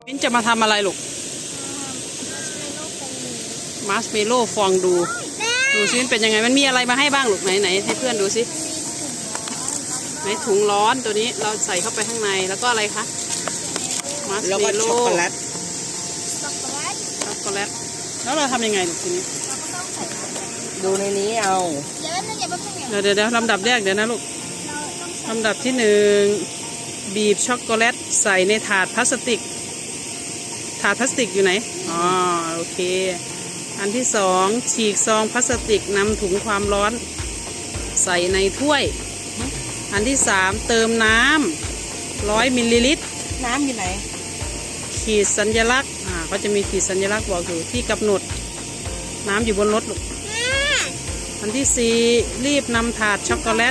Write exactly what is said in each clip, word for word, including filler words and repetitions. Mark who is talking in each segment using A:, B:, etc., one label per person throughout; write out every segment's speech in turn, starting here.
A: มิ้นจะมาทำอะไรลูกมาร์ชเมลโล่ฟองดูดูซิเป็นยังไงมันมีอะไรมาให้บ้างลูกไหนไหนให้เพื่อนดูซิไหนถุงร้อนตัวนี้เราใส่เข้าไปข้างในแล้วก็อะไรคะมาร์ชเมลโล่ช็อกโกแลตช็อกโกแลตแล้วเราทำยังไงลูกทีนี้
B: ดูในนี้เอา
A: เดี๋ยวเดี๋ยวลำดับแรกเดี๋ยวนะลูกลำดับที่หนึ่งบีบช็อกโกแลตใส่ในถาดพลาสติกถาดพลาสติกอยู่ไหนอ๋อโอเคอันที่สองฉีกซองพลาสติกนำถุงความร้อนใส่ในถ้วยอันที่สามเติมน้ำร้อยมิลลิลิตร
B: น้ำอยู่ไหน
A: ขีดสัญลักษณ์อ่าก็จะมีขีดสัญลักษณ์บอกอยู่ที่กำหนดน้ำอยู่บนรถลูกอันที่สี่รีบนำถาดช็อกโกแลต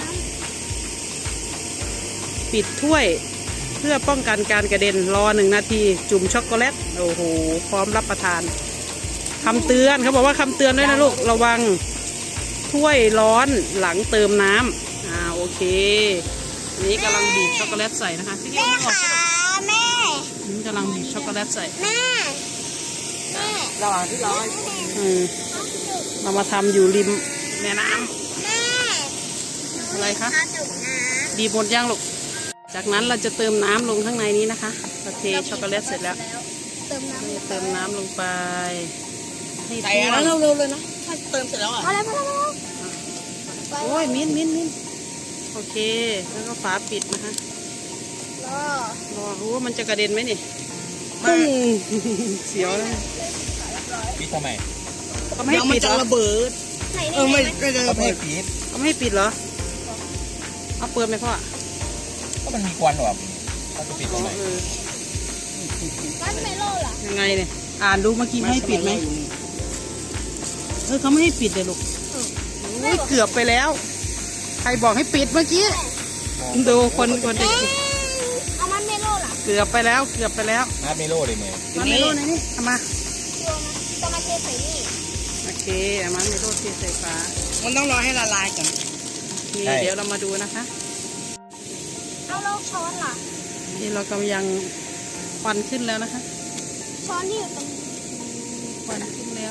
A: ปิดถ้วยเพื่อป้องกันการกระเด็นรอหนึ่งนาทีจุ่มช็อกโกแลตโอ้โหพร้อมรับประทานคำเตือนเขาบอกว่าคำเตือนด้วยนะลูกระวังถ้วยร้อนหลังเติมน้ำอ่าโอเคอันนี้กำลังบีบช็อกโกแลตใส่นะคะพี่เลี้ยงออกแม่นี่กำลังบีบช็อกโกแลตใส่แม่
B: แม่ระหว่างที่ร้อน
A: อืมเรามาทำอยู่ริมแม่น้ำอะไรคะบีบหมดย่างลูกจากนั้นเราจะเติมน้ำลงข้างในนี้นะคะเราเทช็อกโกแลตเสร็จแล้วเติมน้ำเติมน้ำลงไป
B: ให้ใส่แล้วเร็วๆเลยนะถ้าเติมเสร็จแล้วอ่ะพอแล้วพอแล้ว
A: โอ้ยมิ้นมิ้นมิ้นโอเคแล้วก็ฝาปิดนะคะรอรอรู้ว่ามันจะกระเด็นไหมนี่ปุ้งเสียวเลย
C: ปิดทำไม
A: เขาไม่ให้ปิดเหรอ
B: ระเบิดเออไม่
C: เขาไม่ให้ปิด
A: เขาไม่ให้ปิดเหรอเอาเปิดไหมพ่อ
C: ก็มันมีควันหรอเขาจะปิดทำไม
A: มันไม่โล่ล่ะยังไงเนี่ยอ่านดูเมื่อกี้ให้ปิดไหมเออเขาไม่ให้ปิดเลยลูกเกือบไปแล้วใครบอกให้ปิดเมื่อกี้ดูคนคนเด็ก
D: เอามันเมโล่ล่ะ
A: เกือบไปแล้วเกือบไปแล้ว
C: มาเมโล่เลยเมย์
A: มาเมโล่ไหนนี่เอามา
D: จะมาเทใส่นี่
A: โอเคเอามาเมโล่เทใส่ฝา
B: มันต้องรอให้ละลายก่อน
A: นี่เดี๋ยวเรามาดูนะคะ
D: เอาแล้วช้อนล่ะ
A: นี่เรากำลังควันขึ้นแล้วนะคะ
D: ช้อนที่อยู่ตรง
A: ควันขึ้นแล้ว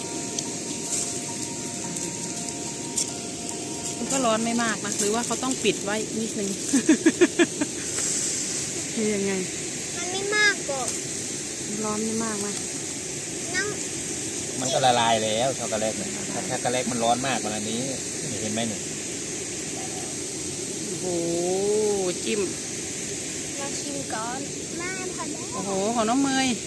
A: มันก็ร้อนไม่มากนะหรือว่าเขาต้องปิดไว้นิดนึงคือยังไง
D: มันไม่มากก็
A: ร้อนไม่มากไหม
D: นั่ง
C: มันก็ละลายแล้วช็อกโกแลตเนี่ยถ้าช็อกโกแลตมันร้อนมากกว่านี้เห็นไหมเนี่ย
A: โอ้โหจิ้ม
D: มาชิมก่อนแม่พอแล้ว
A: โอ้โหของน้องเมย์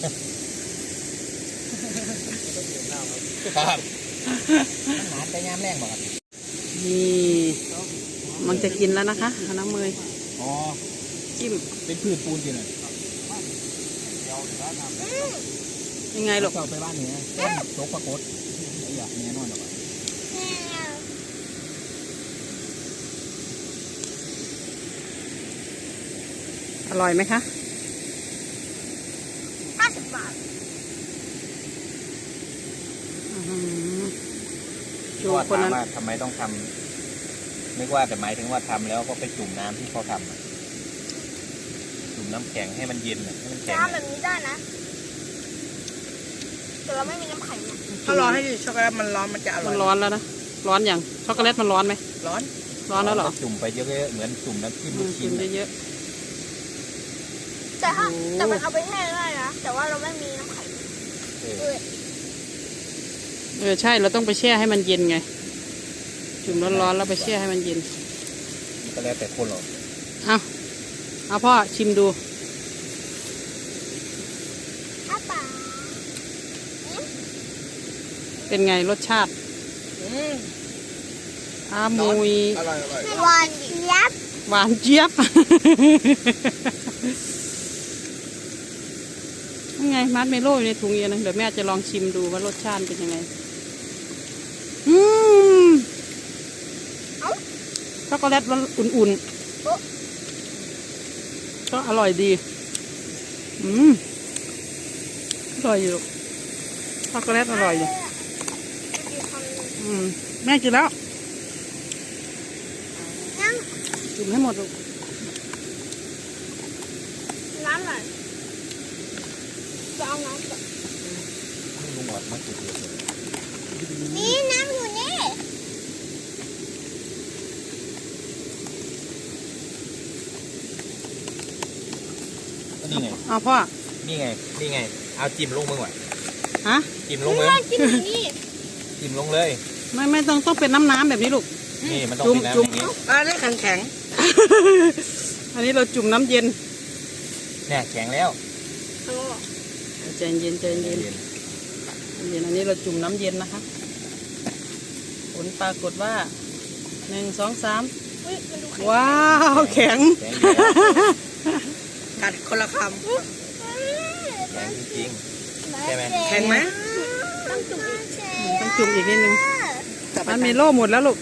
C: ครับหาแต่ยามแรงบอก
A: นี่มันจะกินแล้วนะคะของน้องเมย์
C: อ๋อ
A: จิ้ม
C: เป็นพืชปูนจริงเลย
A: ยังไงลูก
C: เราไปบ้านนี้โต๊ะปรากฏไอ้หยาบแน่นอนหรอ
A: อร่อยไหมคะ
D: ห้าสิบบาท
C: ดูคนนั้นทำไมต้องทำนึกว่าแต่หมายถึงว่าทำแล้วก็ไปจุ่มน้ำที่เขาทำจุ่มน้ำแข็งให้มันเย็นให้มันแข็ง
D: ทำแบบนี้ได้นะแต่เราไม่มีน้ำแข็งเนี่ย
B: ถ้ารอให้ช็อกโกแลตมันร้อนมันจะอร่อย
A: มันร้อนแล้วนะร้อนอย่างช็อกโกแลตมันร้อนไหม
B: ร้อน
A: ร้อนแล้วเหรอ
C: จุ่มไปเยอะๆเหมือนจุ่มน้ำจิ้มลูกชิ้น
A: เยอะ
D: แต่ถ้าแต่มันเอาไปแช่ได้นะแต่ว่าเราไม่มีน้ำแข็ง
A: เออใช่เราต้องไปแช่ให้มันเย็นไงจุ่มร้อนๆแล้วไปแช่ให้มันเย็น
C: ก็แล้วแต่คนหรอก
A: เอาเอาพ่อชิมดูเป็นไงรสชาติอามุย
D: หวานเจี๊ยบ
A: หวานเจี๊ยบยังไงมัดเมโล่อยู่ในถุงเย็นนะเดี๋ยวแม่จะลองชิมดูว่ารสชาติเป็นยังไงอืมช็อกโกแลตมันอุ่นๆก็อร่อยดีอืมอร่อยอยู่ช็อกโกแลตอร่อยอยู่อืมแม่กินแล้วกินให้หมดลูก
D: น้ำไหลน้ำก่อน
C: ให้ลุงออดมาจุดเดียวเลย
D: นี่น้ำอยู่นี่
C: ก็นี่ไง
A: เอาพ่อ
C: นี่ไง นี่ไง เอาจิ้มลงมึงหน่อย
A: ฮะ
C: จิ้มลงเลย
D: กินอยู่นี่
C: จิ้มลงเลย
A: ไม่ไม่ต้องต้องเป็นน้ำน้ำแบบนี้ลูก
C: นี่มันต้อง
A: จุ่ม
C: เป็นน้ำ
A: จุ่
C: อ
A: ม
C: ย่างนี้
B: อ่าได้แข็งแข็ง
A: อันนี้เราจุ่มน้ำเย็น
C: เนี่ยแข็งแล้ว
A: ใจเย็นใจเย็น
C: เย็น
A: เย็นอันนี้เราจุ่มน้ำเย็นนะคะผลปรากฏว่าหนึ่งสองสาม
D: เฮ้ยมันดูแข็ง
A: ว้าวแข็ง
C: แข็งอยู่แล้ว
B: กัดคนละค
C: แข็งจริง ใช่ไหม
B: ำแข็งไหม
D: ต้องจุ่มอีก
A: ต้องจุ่มอีกนิดนึง
B: กลับไป
A: มันมีโล่หมดแล้วลูก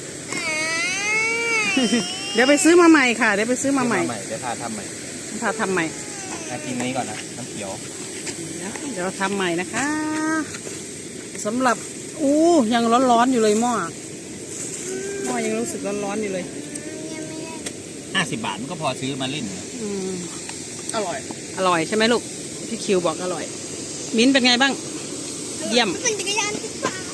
A: เดี๋ยวไปซื้อมาใหม่ค่ะ เดี๋ยวไปซื้อมาใหม่
C: เดี๋ยวพาทำใหม่
A: พาทำใหม่
C: อากินนี้ก่อนนะ น้ำเขียว
A: เดี๋ยวทำใหม่นะคะสำหรับอู้ยังร้อนๆอยู่เลยหม้อหม้อยังรู้สึกร้อนๆอยู่เลย
C: ห้าสิบบาทมันก็พอซื้อมาเล่น
A: อืม
B: อร่อย
A: อร่อยใช่ไหมลูกพี่คิวบอกอร่อย มิ้นท์เป็นไงบ้าง เยี่ยม
D: เป็นจักรยานที่ฟ้า